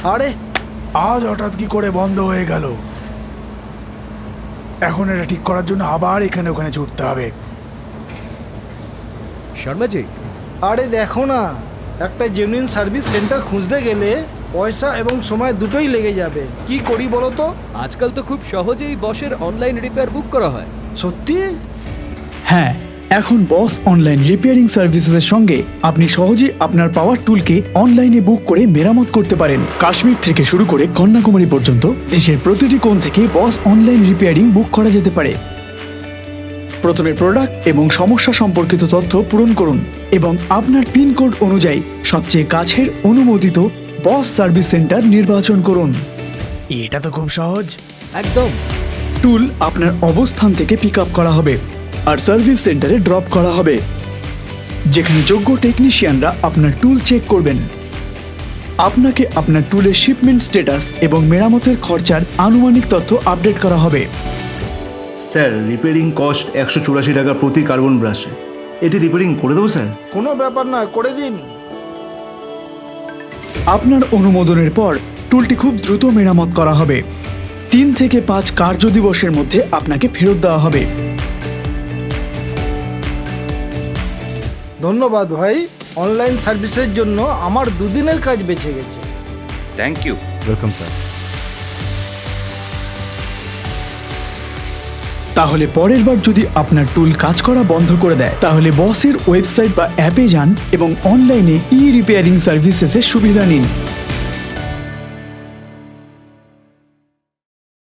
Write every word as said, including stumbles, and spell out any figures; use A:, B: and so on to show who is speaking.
A: আরে
B: আজ হঠাৎ কি করে বন্ধ হয়ে গেল? এখন এটা ঠিক করার জন্য আবার এখানে ওখানে ছুটতে হবে।
C: শর্মাজি,
A: আরে দেখো না, একটা জেনুইন সার্ভিস সেন্টার খুঁজতে গেলে পয়সা এবং সময় দুটোই লেগে যাবে। কি করি বলো তো?
C: আজকাল তো খুব সহজেই বসের অনলাইন রিপেয়ার বুক করা হয়।
A: সত্যি?
D: হ্যাঁ, এখন বস অনলাইন রিপেয়ারিং সার্ভিসেসের সঙ্গে আপনি সহজেই আপনার পাওয়ার টুলকে অনলাইনে বুক করে মেরামত করতে পারেন। কাশ্মীর থেকে শুরু করে কন্যাকুমারী পর্যন্ত দেশের প্রতিটি কোণ থেকে বস অনলাইন রিপেয়ারিং বুক করা যেতে পারে। প্রথমে প্রোডাক্ট এবং সমস্যা সম্পর্কিত তথ্য পূরণ করুন এবং আপনার পিনকোড অনুযায়ী সবচেয়ে কাছের অনুমোদিত বস সার্ভিস সেন্টার নির্বাচন করুন।
B: এটা তো খুব সহজ।
C: একদম।
D: টুল আপনার অবস্থান থেকে পিক আপ করা হবে আর সার্ভিস সেন্টারে ড্রপ করা হবে, যেখানে যোগ্য টেকনিশিয়ানরা আপনার টুল চেক করবেন। আপনাকে আপনার টুলের শিপমেন্ট স্ট্যাটাস এবং মেরামতের খরচার আনুমানিক তথ্য আপডেট করা হবে।
E: স্যার, রিপেয়ারিং কস্ট একশো চুরাশি টাকা প্রতি কার্বন ব্রাশে। এটি রিপেয়ারিং করে দেবো স্যার?
A: কোনো ব্যাপার না, করে দিন।
D: আপনার অনুমোদনের পর টুলটি খুব দ্রুত মেরামত করা হবে। তিন থেকে পাঁচ কার্য দিবসের মধ্যে আপনাকে ফেরত দেওয়া হবে।
A: ধন্যবাদ ভাই, অনলাইন সার্ভিসের জন্য আমার দুদিনের কাজ বেঁচে গেছে।
F: Thank you. Welcome sir.
D: তাহলে পরের বার যদি আপনার টুল কাজ করা বন্ধ করে দেয়, তাহলে বসের ওয়েবসাইট বা অ্যাপে যান এবং অনলাইনে ই রিপেয়ারিং সার্ভিসেসের সুবিধা নিন।